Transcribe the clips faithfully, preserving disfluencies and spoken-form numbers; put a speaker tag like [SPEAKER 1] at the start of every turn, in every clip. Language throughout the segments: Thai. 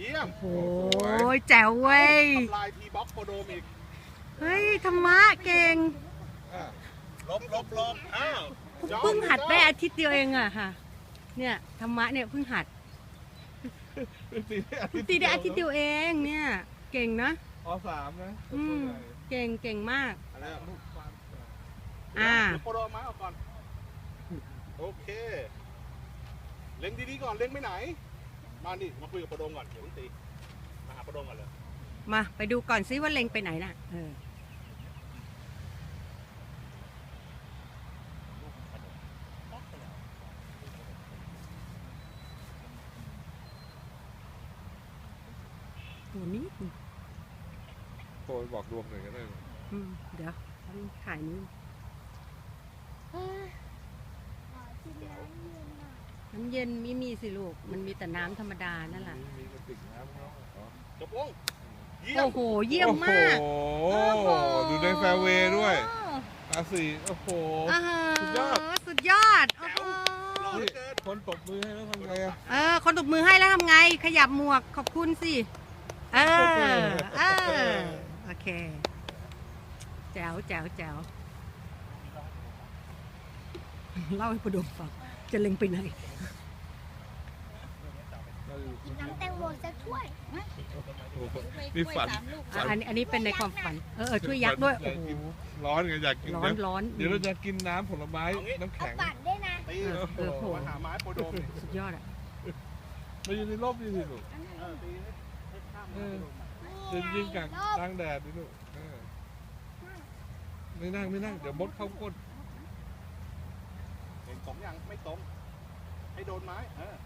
[SPEAKER 1] เยี่ยม
[SPEAKER 2] โอ้ยแจ๋วเว้ย
[SPEAKER 1] ทำลายทีบ็อกโคโดมอีก
[SPEAKER 2] เฮ้ยธรรมะเก่ง
[SPEAKER 1] ลบลบลบอ้าว
[SPEAKER 2] เพิ่งหัดได้อาทิตย์เดียวเองอะค่ะ เนี่ยธรรมะเนี่ยเพิ่งหัดตีได้อาทิตย์เดียวเองเนี่ยเก่งนะ
[SPEAKER 3] อสามนะ
[SPEAKER 2] อืมเก่งเก่งมาก
[SPEAKER 1] อะไรอ่ะ
[SPEAKER 2] อ่า
[SPEAKER 1] เดี๋ยวโคโดมมาเอาก่อนโอเคเล็งดีๆก่อนเล็งไปไหนมาดิมาคุยกับโคโดมก่อนเดี๋ยวตีมาหาโคโดมก่อนเลย
[SPEAKER 2] มาไปดูก่อนซิว่าเล็งไปไหนน่ะเออตัวนี้
[SPEAKER 3] โทรบอกดวงหน่อยก็ได้
[SPEAKER 2] อืมเดี๋ยวต้องถ่ายนี้น้ำเย็นไม่มีสิลูกมันมีแต่น้ำธรรมดานั่นแหละ
[SPEAKER 3] มีกระติกน้ำเนาะ
[SPEAKER 1] จบวงเยี่ย
[SPEAKER 2] โอ้
[SPEAKER 1] ม
[SPEAKER 2] โหเยี่ยมมาก
[SPEAKER 3] โอ้โหดูในแฟร์เวย์ด้วยตาสีโอ้โห
[SPEAKER 2] อ่าฮะ
[SPEAKER 3] สุดยอด
[SPEAKER 2] สุดยอดโอ้โห
[SPEAKER 1] รอเหลือเกิน
[SPEAKER 3] คนตบมือให้แล้วทำไงอะ
[SPEAKER 2] เออคนตบมือให้แล้วทำไง ขยับหมวกขอบคุณสิเออเออโอเคแจ๋วแจ๋วแจ๋วเล่าให้ประดมฟังจะเล็งไปไหน
[SPEAKER 4] น้ำแตงโมจะช่วย
[SPEAKER 3] มีฝัน
[SPEAKER 2] อ่ะอันนี้อันนี้เป็นในความฝันเออเออช่วยยักษ์ด้วยโอ้โห
[SPEAKER 3] ร้อนไงอยากกิน
[SPEAKER 2] ร้อนร้อน
[SPEAKER 3] เดี๋ยวเราจะกินน้ำผลไม้น้ำ
[SPEAKER 4] เอา
[SPEAKER 3] แข็ง
[SPEAKER 4] ปัดด้วยนะ
[SPEAKER 1] ตี
[SPEAKER 2] เออเออโห
[SPEAKER 1] มาหาไม้โคโดม
[SPEAKER 2] สุดยอดอ่ะ
[SPEAKER 3] มาอยู่ในร่มนี่สิลูก
[SPEAKER 1] เออตีให้ข้าม
[SPEAKER 3] เอ
[SPEAKER 1] มา
[SPEAKER 3] อ จะยิงกันกลางแดดนี่ลูกเออไม่นั่งไม่นั่งเดี๋ยวมดเข้าก้น
[SPEAKER 1] เห็นตรงยังไม่ตรงให้โดนไม้เออ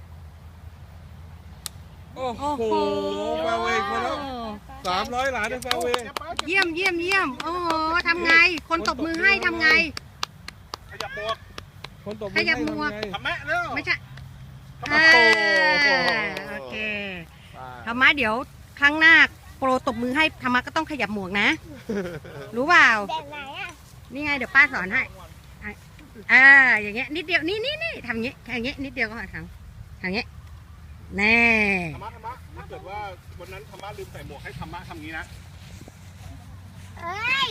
[SPEAKER 3] โอ้
[SPEAKER 2] โอ้
[SPEAKER 3] โห
[SPEAKER 2] โห
[SPEAKER 3] แฟร์เวย์คนละสามร้อยหลานในแฟร์เวย์
[SPEAKER 2] เยี่ยมเยี่ยมเยี่ยมโอ้โหทำไง คนตบมือให้ทำไง
[SPEAKER 1] ขยับหมวก
[SPEAKER 3] คนตบ
[SPEAKER 2] ขยับหมวก
[SPEAKER 3] ให้
[SPEAKER 1] ทำแม่เร็ว
[SPEAKER 2] ไม่ใช่
[SPEAKER 1] ทำ
[SPEAKER 2] เอ
[SPEAKER 1] แม่
[SPEAKER 2] อโอเค
[SPEAKER 3] ทำไง
[SPEAKER 2] ธรรมะเดี๋ยวครั้งหน้าโปรตบมือให้ธรรมะก็ต้องขยับหมวกนะ รู้เปล่า
[SPEAKER 4] แบบไหนอ่ะ
[SPEAKER 2] นี่ไงเดี๋ยวป้าสอนให้อ่ะอ่าอย่างเงี้ยนิดเดียวนี่นี่นี่ทำอย่างเงี้ยอย่างเงี้ยนิดเดียวก็พอทำทำอย่างเงี้ยแน่
[SPEAKER 1] ธรรมะธรรมะถ้าเกิดว่าวันนั้นธรรมะลืมใส่หมวกให้ธรรมะทำงี้นะ
[SPEAKER 4] เอ้ย